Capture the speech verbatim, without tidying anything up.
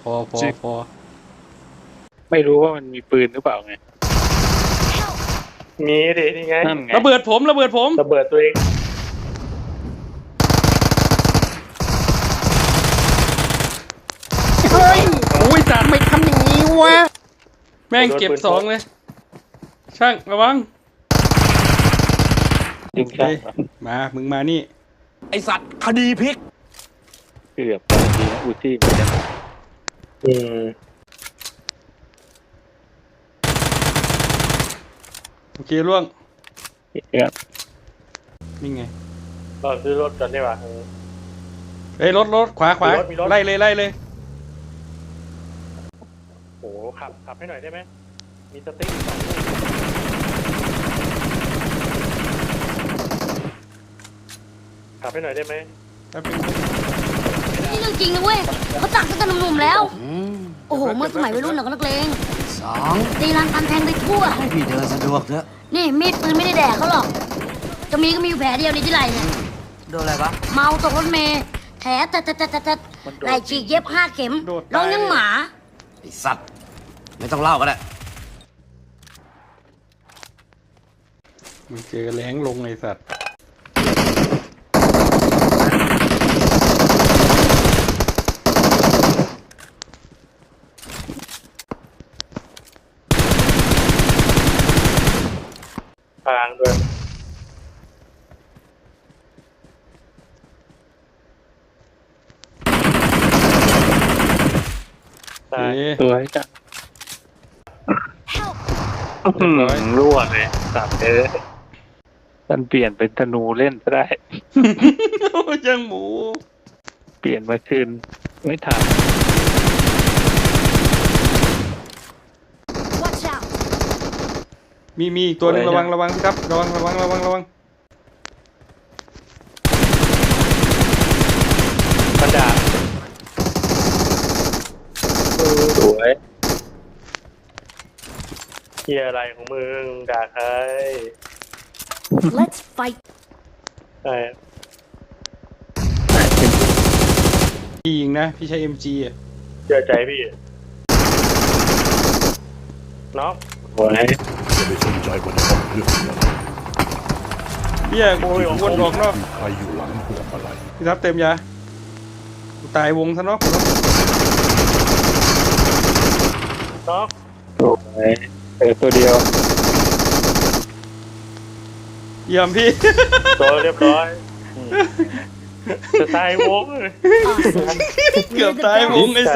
อพอพอไม่รู้ว่ามันมีปืนหรือเปล่าไงมีดินี่ไงนั่นไงระเบิดผมระเบิดผมระเบิดตัวเองเฮ้ยโอ้ยจัดไม่ทำอย่างนี้วะแม่งเก็บสองเลยช่างระวังยิงโอเคช่างมามึงมานี่ไอสัตว์คดีพลิกเกือบดีนะอูซี่เหมือนกันอืมโอเคล่วงเกือบนี่ไงเราซื้อรถกันได้ป่ะเฮ้ยรถรถขวาขวามีรถมีรถไล่เลยไล่เลยโอ้โหขับขับให้หน่อยได้ไหมมีสติ๊กสองลูกขับให้หน่อยได้ไหมแป๊บนึงนี่เรื่องจริงนะเว้ยเขาตักตั้งแต่หนุ่มๆแล้ว โอ้โห เมื่อสมัยวัยรุ่นเราก็นักเลงสองตีรันฟันแทงไปทั่วให้พี่เดินสะดวกเถอะนี่มีดปืนไม่ได้แดกเขาหรอก จะมีก็มีอยู่แผลเดียวในที่ไหล่เนี่ยโดนอะไรวะเมาตกรถเมล์แผลแต่แต่แต่แต่แต่ไหล่ฉีกเย็บห้าเข็มร้องยังหมาไอสัตว์ ไม่ต้องเล่าก็ได้มึงเจอแรงลงไอสัตว์ทางด้วยโอตายเคสวยจ้ะเรียบร้อยรั่วเลยสับเลยท่านเปลี่ยนเป็นธนูเล่นก็ได้ยังหมูเปลี่ยนมาคืนไม่ทัน Watch out มีมีอีกตัวหนึงระวังระวังพี่ครับระวังระวังระวังระวังมันด่าสวยเฮียอะไรของมึงด่าใคร Let's fight ใช่พี่ยิงนะพี่ใช้ เอ็ม จี อ่ะเชื่อใจพี่น้องสวยจะไม่สนใจว่าจะต้องเลือกเงินเบี้ยกูวนออกนอกมีใครอยู่หลังพวงมาลัยพี่ทับเต็มยากูตายวงซะเนาะน้องสวยเออตัวเดียวเยี่ยมพี่ตัวเรียบร้อยจะตายวง Awesome เกือบตายวงไอ้